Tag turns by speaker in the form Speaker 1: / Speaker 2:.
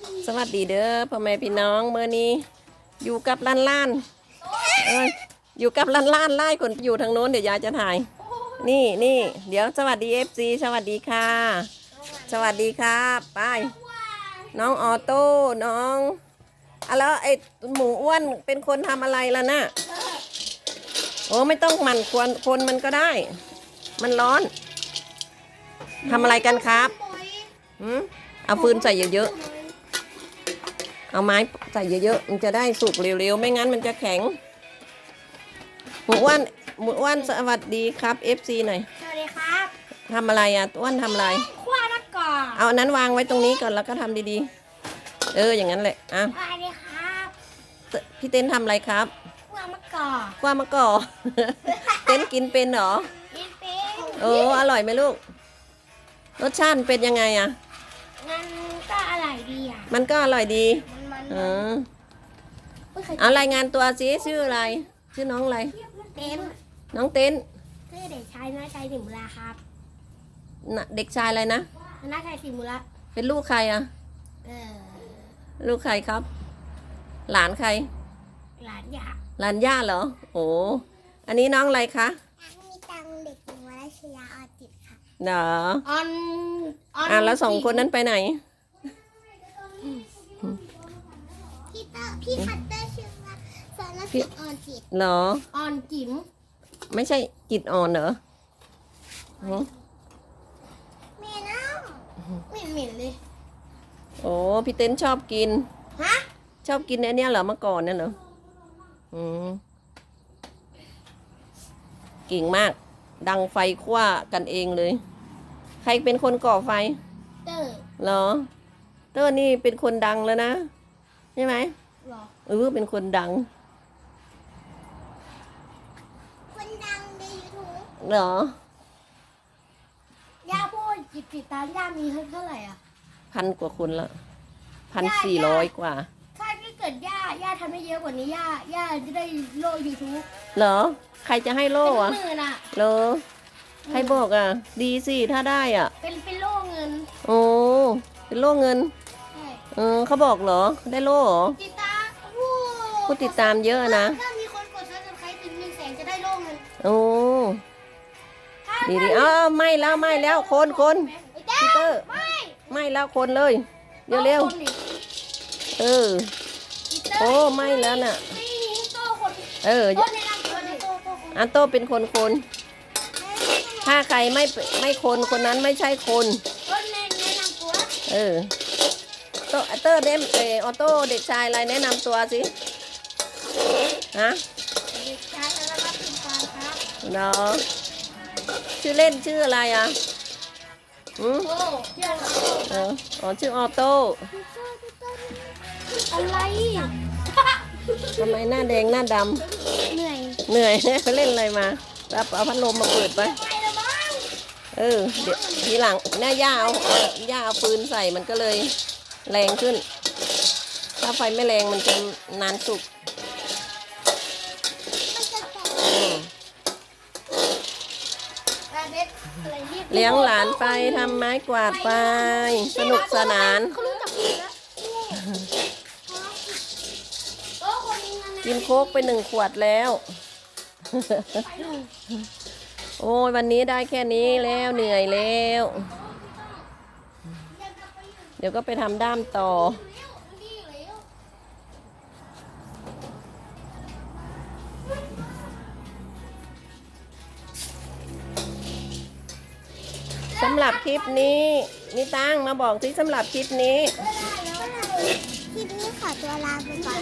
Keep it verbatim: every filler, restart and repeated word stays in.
Speaker 1: สวัสดีเด้อพ่อแม่พี่น้องเมื่อนี้อยู่กับล้านล้านเอ้ยอยู่กับล้านล้านไล่คนอยู่ทางโน้นเดี๋ยวยายจะถ่ายนี่นี่เดี๋ยวสวัสดีเอฟซีสวัสดีค่ะ สวัสดีครับไปน้องออโต้น้องอะแล้วไอหมูอ้วนเป็นคนทำอะไรล่ะน่ะโอ้ไม่ต้องหมั่นควรคนมันก็ได้ มันร้อนทำอะไรกันครับหืมเอาฟืนใส่เยอะๆเอาไม้ใส่เยอะๆมันจะได้สุกเร็วๆไม่งั้นมันจะแข็งหมูอ้วนหมูอ้วนสวัสดีครับ เอฟ ซี หน่อย
Speaker 2: สวัสดีครับ
Speaker 1: ทำอะไรอ่ะอ้วนทำอะไร
Speaker 2: คั่วมะกอก
Speaker 1: เอาอันนั้นวางไว้ตรงนี้ก่อนแล้วก็ทำดีๆเอออย่างนั้นแหละอ่ะ
Speaker 2: สวัสดีครับ
Speaker 1: พี่เต้นทำอะไรครับ
Speaker 2: คั่วมะกอก
Speaker 1: กว่ามะกอกเต้นกินเป็นเหรอ
Speaker 2: กินเป็น
Speaker 1: โอ้อร่อยไหมลูกรสชาติเป็นยังไงอ่ะ
Speaker 2: มันก็อร่อยดีอ่ะ
Speaker 1: มันก็อร่อยดี
Speaker 2: มัน
Speaker 1: เออเอารายงานตัวสิชื่ออะไรชื่อน้องอะไร
Speaker 2: เต้น
Speaker 1: น้องเต้น
Speaker 2: ชื่อเด็กชายนาชัยสิมุลาครับ
Speaker 1: เด็กชายอะไรนะ
Speaker 2: นาชัยสิมุลา
Speaker 1: เป็นลูกใครอ่ะ
Speaker 2: เออ
Speaker 1: ลูกใครครับหลานใคร
Speaker 2: หลานย่า
Speaker 1: หลานย่าเหรอโอ้อันนี้น้องอะไรคะ
Speaker 2: มีตังเด็กหญิงวรัชยาออจิตค่ะ
Speaker 1: เนาะ
Speaker 2: ออน
Speaker 1: อ่ะแล้วสองคนนั้นไปไหน
Speaker 2: พี่เตอร์พี่คัตเตอร์ชื่อว่าสารพิษออนจิต
Speaker 1: เหรอ
Speaker 2: ออนจิ๋ม
Speaker 1: ไม่ใช่จิตอ่อนเหรอ
Speaker 2: เมน้ำเหม็นเหม็นเลย
Speaker 1: โอ้พี่เต้นชอบกิน
Speaker 2: ฮะ
Speaker 1: ชอบกินไอ้นี่เหรอเมื่อก่อนเนี่ยเหรออืมเก่งมากดังไฟคว้ากันเองเลยใครเป็นคนก่อไฟ
Speaker 2: เตอร์
Speaker 1: เหรอเตอร์นี่เป็นคนดังแล้วนะใช่ไหม
Speaker 2: หรอ
Speaker 1: เออเป็นคนดัง
Speaker 2: คนดังในยูทูบ
Speaker 1: เหร
Speaker 2: อย่าพูดจิตติดตามย่ามีเท่าไหร่อ่ะ
Speaker 1: พันกว่าคนละพันสี่ร้อยกว่า
Speaker 2: ถ้าเกิดย่าย่าทำให้เยอะกว่านี้ย่าย่าจะได้โล่ยูทูบ
Speaker 1: เหรอใครจะให้โล่อะ
Speaker 2: เป็นหมื่นอะ
Speaker 1: เหรอใครบอกอ่ะดีสิถ้าได้อ่ะ
Speaker 2: เป็นเป็นโล่เงิน
Speaker 1: โอ้เป็นโล่เงิน
Speaker 2: ใช่
Speaker 1: เออเขาบอกเหรอได้โล่เหรอ
Speaker 2: ติดตาม
Speaker 1: ผู้ติดตามเยอะนะ
Speaker 2: ถ้ามีคนกดซับสไครต์ถึงหนึ่งแสนจะได้โล่เงิน
Speaker 1: โอ้ดีดีอ้าวไม่แล้วไม่แล้วคนคนพีเตอร์ไม่แล้วคนเลยเร็วเร็วเออโอ้ไม่แล้วน่ะเอออันโตเป็นคนคนถ้าใครไม่ไม่คนคนนั้นไม่ใช่คนเออโตเตอร์เดมเอออโต้เด็กชายอะไรแนะนำตัวสิฮะ
Speaker 2: เด็กชายอะไรรับผิดชอบครับ
Speaker 1: เนาะชื่อเล่นชื่ออะไรอ่ะอืมเอออ๋อชื่อออโต้
Speaker 2: อะไร
Speaker 1: ทำไมหน้าแดงหน้าดำ
Speaker 2: เหนื่อย
Speaker 1: เหนื่อยเขาเล่นอะไรมารับเอาพัดลมมาเปิดไปเออเดี๋ยวทีหลังหน้าย่าเอาย่าเอาปืนใส่มันก็เลยแรงขึ้นถ้าไฟไม่แรงมันจะนานสุกเลี้ยงหลานไปทำไม้กวาดไปสนุกสนานกินโค้กไปหนึ่งขวดแล้วโอ้ยวันนี้ได้แค่นี้แล้วเหนื่อยแล้วเดี๋ยวก็ไปทำด้ามต่อสำหรับคลิปนี้มีตั้งมาบอกที่สำหรับคลิปนี้
Speaker 2: คลิปนี้ขอตัวลาไปก่อน